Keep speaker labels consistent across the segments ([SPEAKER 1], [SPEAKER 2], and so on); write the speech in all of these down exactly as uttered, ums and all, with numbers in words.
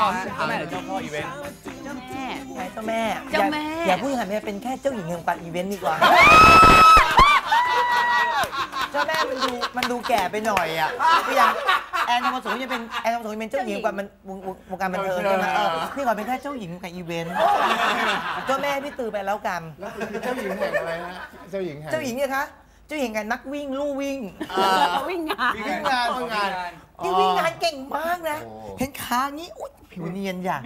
[SPEAKER 1] เจ้าแม่หรือเจ้าพ่ออีเวนต์
[SPEAKER 2] เจ้าแม่
[SPEAKER 3] เจ้าแม่
[SPEAKER 2] เจ้าแม่
[SPEAKER 3] อย่าพูดอย่างนี้เป็นแค่เจ้าหญิงแห่งการอีเวนต์ดีกว่าเจ้าแม่มันดูมันดูแก่ไปหน่อยอ่ะคืออย่างแอนทองผสมจะเป็นแอนทองผสมเป็นเจ้าหญิงกว่ามันวงการบันเทิงใช่ไหมพี่ก่อนเป็นแค่เจ้าหญิงกับอีเวนต์เจ้าแม่พี่ตือไปแล้วกัน
[SPEAKER 4] แล้วคือเจ้าหญิงแห่งอะไรฮะเจ้าหญิงแห่ง
[SPEAKER 3] เจ้าหญิงเนี่ยคะเจ้าหญิงกันนักวิ่งลู่วิ่ง
[SPEAKER 2] วิ่งงาน
[SPEAKER 4] วิ่งงานวิ่งงาน
[SPEAKER 3] ที่วิ่งงานเก่งมากนะเห็นขางี้อุ๊ยผิวเนียนอย่าง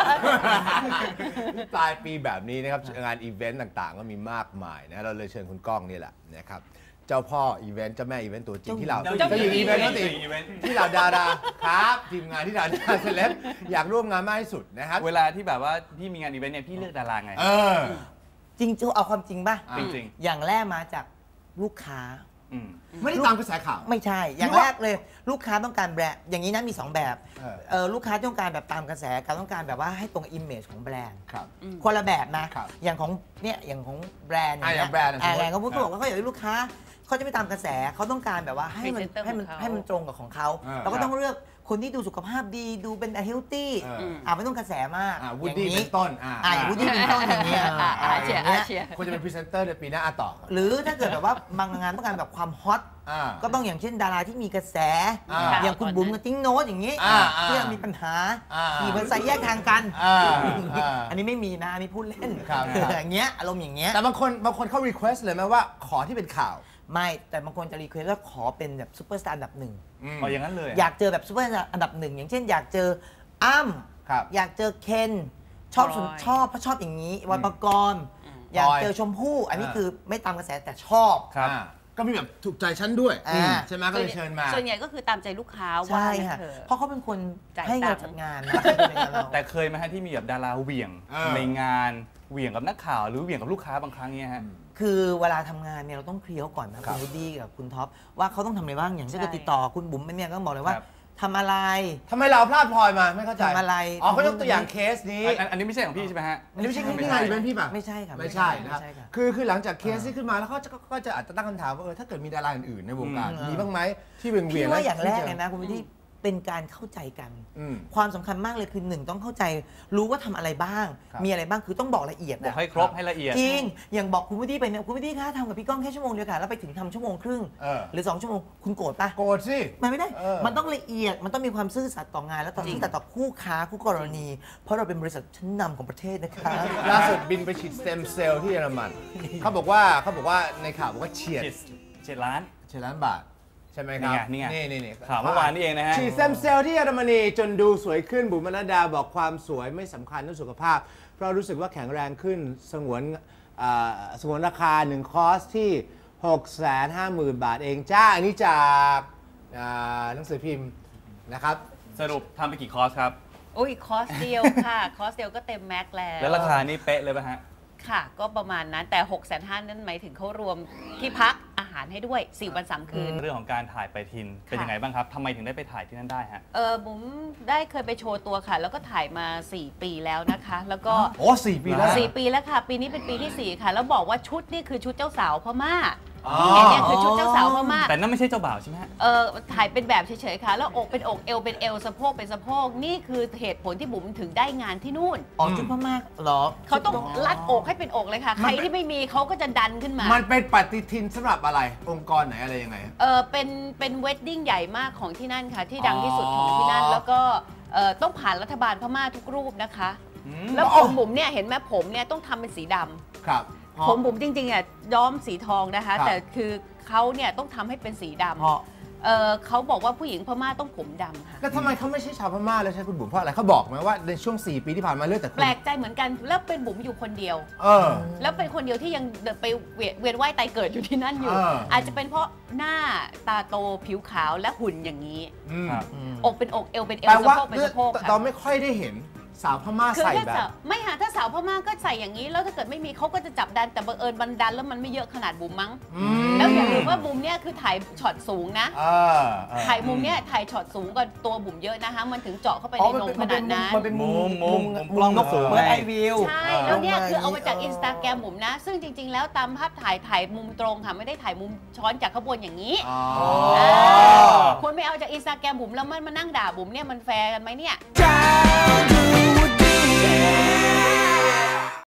[SPEAKER 4] ปลายปีแบบนี้นะครับงานอีเวนต์ต่างๆก็มีมากมายนะเราเลยเชิญคุณก้องนี่แหละนะครับเจ้าพ่ออีเวนต์เจ้าแม่อีเวนต์ตัวจริงที่เราเจ้าหญิงอีเวนต์ที่เราดาราครับทีมงานที่เราดาราเซเลบอยากร่วมงานมากที่สุดนะครับ
[SPEAKER 1] เวลาที่แบบว่าพี่มีงานอีเวนต์เนี่ยพี่เลือกดาราไง
[SPEAKER 4] เออ
[SPEAKER 3] จริงๆเอาความจริงป่ะ
[SPEAKER 1] จริง
[SPEAKER 3] ๆอย่างแรกมาจากลูกค้า
[SPEAKER 4] ไม่ได้ตามกระแสข่าว
[SPEAKER 3] ไม่ใช่อย่างแรกเลยลูกค้าต้องการแบรนด์อย่างนี้นะมีสองแบบเออลูกค้าต้องการแบบตามกระแสการต้องการแบบว่าให้ตรงอิมเมจของแบรนด์คนละแบบนะอย่างของเนี่ยอย่างของแบรนด์
[SPEAKER 4] อย่างแบรนด์
[SPEAKER 3] แบรนด์เขาพูดบอกว่าเขาอยากให้ลูกค้าเขาจะไม่ตามกระแสเขาต้องการแบบว่าให้มันให้มันให้มันตรงกับของเขาเราก็ต้องเลือกคนที่ดูสุขภาพดีดูเป็นเฮลตี้อ่าไม่ต้องกระแสมาก
[SPEAKER 4] วูดดี้เป็นต้น
[SPEAKER 3] อ่าวูดดี้เป็นต้นอย่างเงี้ย
[SPEAKER 2] เชียร์เชียร์
[SPEAKER 4] ควรจะเป็นพรีเซนเตอร์ในปีหน้าต่อ
[SPEAKER 3] หรือถ้าเกิดแบบว่าบางงานต้องการแบบความฮอตก็ต้องอย่างเช่นดาราที่มีกระแสอย่างคุณบุ๋มกับติ้งโน้ตอย่างนี้ที่มีปัญหาขี่มอเตอร์ไซค์แยกทางกันอันนี้ไม่มีนะอันนี้พูดเล่นอย่างเงี้ยอารมณ์อย่างเงี้ย
[SPEAKER 4] แต่บางคนบางคนเขารีเควสเลยไหมว่าขอที่เป็นข่าว
[SPEAKER 3] ไม่แต่บางคนจะรีเควสว่าขอเป็นแบบซูเปอร์สตาร์อันดับหนึ่ง
[SPEAKER 1] อ๋ออย่างนั้นเลย
[SPEAKER 3] อยากเจอแบบซูเปอร์สตาร์อันดับหนึ่งอย่างเช่นอยากเจออ้ำอยากเจอเคนชอบชอบเพราะชอบอย่างนี้วันประกรณ์อยากเจอชมพู่อันนี้คือไม่ตามกระแสแต่ชอบ
[SPEAKER 4] ก็มีแบบถูกใจฉันด้วยใช่ไหมก็เลยเชิญมา
[SPEAKER 2] ส่วนใหญ่ก็คือตามใจลูกค้า
[SPEAKER 3] ใช่ค่ะเพราะเขาเป็นคนให้เงินจัดงานนะ
[SPEAKER 1] แต่เคยไหมฮะที่มีแบบดาราเหวี่ยงในงานเหวี่ยงกับนักข่าวหรือเหวี่ยงกับลูกค้าบางครั้งเนี่ยฮะ
[SPEAKER 3] คือเวลาทำงานเนี่ยเราต้องเคลียร์ก่อนนะคุณวูดดี้กับคุณท็อปว่าเขาต้องทำอะไรบ้างอย่างเช่นติดต่อคุณบุ๋มเนี่ยก็บอกเลยว่าทำอะไร
[SPEAKER 4] ทำไมเราพลาดพลอยมาไม่เข้าใจ
[SPEAKER 3] ทำอะไร
[SPEAKER 4] อ๋อเขายกตัวอย่างเคสนี้
[SPEAKER 1] อันนี้ไม่ใช่ของพี่ใช่ไหมฮะ
[SPEAKER 4] อันนี้ไม่ใช่ที่งานอีเวนต์พี่ป่ะ
[SPEAKER 3] ไม่ใช่ค่ะ
[SPEAKER 4] ไม่ใช่นะครับคือคือหลังจากเคสที่ขึ้นมาแล้วเขาก็จะอาจจะตั้งคำถามว่าเออถ้าเกิดมีดาราอื่นๆในวงการมีบ้างไหมที่เวียงเวียง
[SPEAKER 3] ว่าอย่างแรกเลยนะคุณวูดดี้เป็นการเข้าใจกันความสำคัญมากเลยคือหนึ่งต้องเข้าใจรู้ว่าทำอะไรบ้างมีอะไรบ้างคือต้องบอกละเอียด
[SPEAKER 1] บอกให้ครบให้ละเอียด
[SPEAKER 3] จริงอย่างบอกคุณวูดดี้ไปเนี่ยคุณวูดดี้คะทำกับพี่ก้องแค่ชั่วโมงเดียวกันแล้วไปถึงทำชั่วโมงครึ่งหรือสองชั่วโมงคุณโกรธปะ
[SPEAKER 4] โกรธสิ
[SPEAKER 3] มันไม่ได้มันต้องละเอียดมันต้องมีความซื่อสัตย์ต่องานแล้วต่อซื่อสัตย์ต่อคู่ค้าคู่กรณีเพราะเราเป็นบริษัทชั้นนำของประเทศนะคะ
[SPEAKER 4] ล่าสุดบินไปฉีดสเต็มเซลล์ที่เยอรมันเขาบอกว่าเขาบอกว่าในข่าวบอกว่าเฉียด
[SPEAKER 1] เฉียดล้าน
[SPEAKER 4] เฉียดล้านบาทใช่ไหมครับ
[SPEAKER 1] นี่ไง
[SPEAKER 4] นี่นี่
[SPEAKER 1] ข่าวเมื่อวานนี้เองนะฮะ
[SPEAKER 4] ฉีดสเต็มเซลล์ที่เยอรมนีจนดูสวยขึ้นบุ๋มมนัสดาบอกความสวยไม่สำคัญเรื่องสุขภาพเพราะรู้สึกว่าแข็งแรงขึ้นสงวนสงวนราคาหนึ่งคอร์สที่ หกแสนห้าหมื่น บาทเองจ้าอันนี้จากหนังสือพิมพ์นะครับ
[SPEAKER 1] สรุปทำไปกี่คอร์สครับ
[SPEAKER 2] โอ้ยคอร์สเดียวค่ะคอร์สเดียวก็เต็มแม็กแล้ว
[SPEAKER 1] แล้วราคานี่เป๊ะเลยป่ะฮะ
[SPEAKER 2] ค่ะก็ประมาณนั้นแต่ หกแสนห้าหมื่น นั่นหมายถึงเขารวมที่พักอาหารให้ด้วยสี่วันสามคืน
[SPEAKER 1] เรื่องของการถ่ายไปทินเป็นยังไงบ้างครับทำไมถึงได้ไปถ่ายที่นั่นได้ฮะ
[SPEAKER 2] เออบุ๋มได้เคยไปโชว์ตัวค่ะแล้วก็ถ่ายมาสี่ปีแล้วนะคะแล้วก็
[SPEAKER 4] โอ้สี่ปีแล้ว
[SPEAKER 2] สี่ปีแล้วค่ะปีนี้เป็นปีที่สี่ค่ะแล้วบอกว่าชุดนี่คือชุดเจ้าสาวพม่าที่เห็นเนี่ยคือชุดเจ้าสาวพม่า
[SPEAKER 1] แต่นั่นไม่ใช่เจ้าบ่าวใช่ไหม
[SPEAKER 2] เออถ่ายเป็นแบบเฉยๆค่ะแล้วอกเป็นอกเอวเป็นเอวสะโพกเป็นสะโพกนี่คือเหตุผลที่บุ๋มถึงได้งานที่นู่น
[SPEAKER 3] อ๋อชุดพม่าหรอ
[SPEAKER 2] เขาต้องรัดอกให้เป็นอกเลยค่ะใครที่ไม่มีเขาก็จะดันขึ้นมา
[SPEAKER 4] มันเป็นปฏิทินสำหรับอะไรองค์กรไหนอะไรยังไง
[SPEAKER 2] เออเป็นเป็นเวดดิ้งใหญ่มากของที่นั่นค่ะที่ดังที่สุดของที่นั่นแล้วก็เออต้องผ่านรัฐบาลพม่าทุกรูปนะคะแล้วผมบุ๋มเนี่ยเห็นไหมผมเนี่ยต้องทำเป็นสีดำ
[SPEAKER 4] ครับ
[SPEAKER 2] ผมบุ๋มจริงๆอ่ะย้อมสีทองนะคะแต่คือเขาเนี่ยต้องทำให้เป็นสีดำเออเขาบอกว่าผู้หญิงพม่าต้องผมดำค่ะ
[SPEAKER 4] แล้วทำไมเขาไม่ใช่ชาวพม่าแล้วใช่คุณบุ๋มเพราะอะไรเขาบอกไหมว่าในช่วงสี่ปีที่ผ่านมาเลือกแต่
[SPEAKER 2] แปลกใจเหมือนกันแล้วเป็นบุ๋มอยู่คนเดียว
[SPEAKER 4] เออ
[SPEAKER 2] แล้วเป็นคนเดียวที่ยังไปเวียนว่ายตายเกิดอยู่ที่นั่นอยู่อาจจะเป็นเพราะหน้าตาโตผิวขาวและหุ่นอย่างนี้อกเป็นอกเอวเป็นเอวสะโพกเป็นสะโพก
[SPEAKER 4] เราไม่ค่อยได้เห็นสาวพม่าใส่แบบ
[SPEAKER 2] ไม่ค่ะถ้าสาวพม่าก็ใส่อย่างนี้แล้วถ้าเกิดไม่มีเขาก็จะจับดันแต่บังเอิญบันดันแล้วมันไม่เยอะขนาดบุ๋มมั้งแล้วอย่าลืมว่าบุ๋มเนี่ยคือถ่ายช็อตสูงนะถ่ายมุมเนี่ยถ่ายช็อตสูงกว่าตัวบุ๋มเยอะนะคะมันถึงเจาะเข้าไปในนมขนาดนั้น
[SPEAKER 3] มันเป็นมุม
[SPEAKER 1] มุม
[SPEAKER 3] กล้องสูงเหมือนไอวิว
[SPEAKER 2] ใช่แล้วเนี่ยคือเอามาจากอินสตาแกรมบุ๋มนะซึ่งจริงๆแล้วตามภาพถ่ายถ่ายมุมตรงค่ะไม่ได้ถ่ายมุมช้อนจากข้างบนอย่างนี้คนไม่เอาจากอินสตาแกรมบุ๋มแล้วมันมานั่งด่าบุ๋มเนี่ยมันแฟร์กันไหมเนี่ย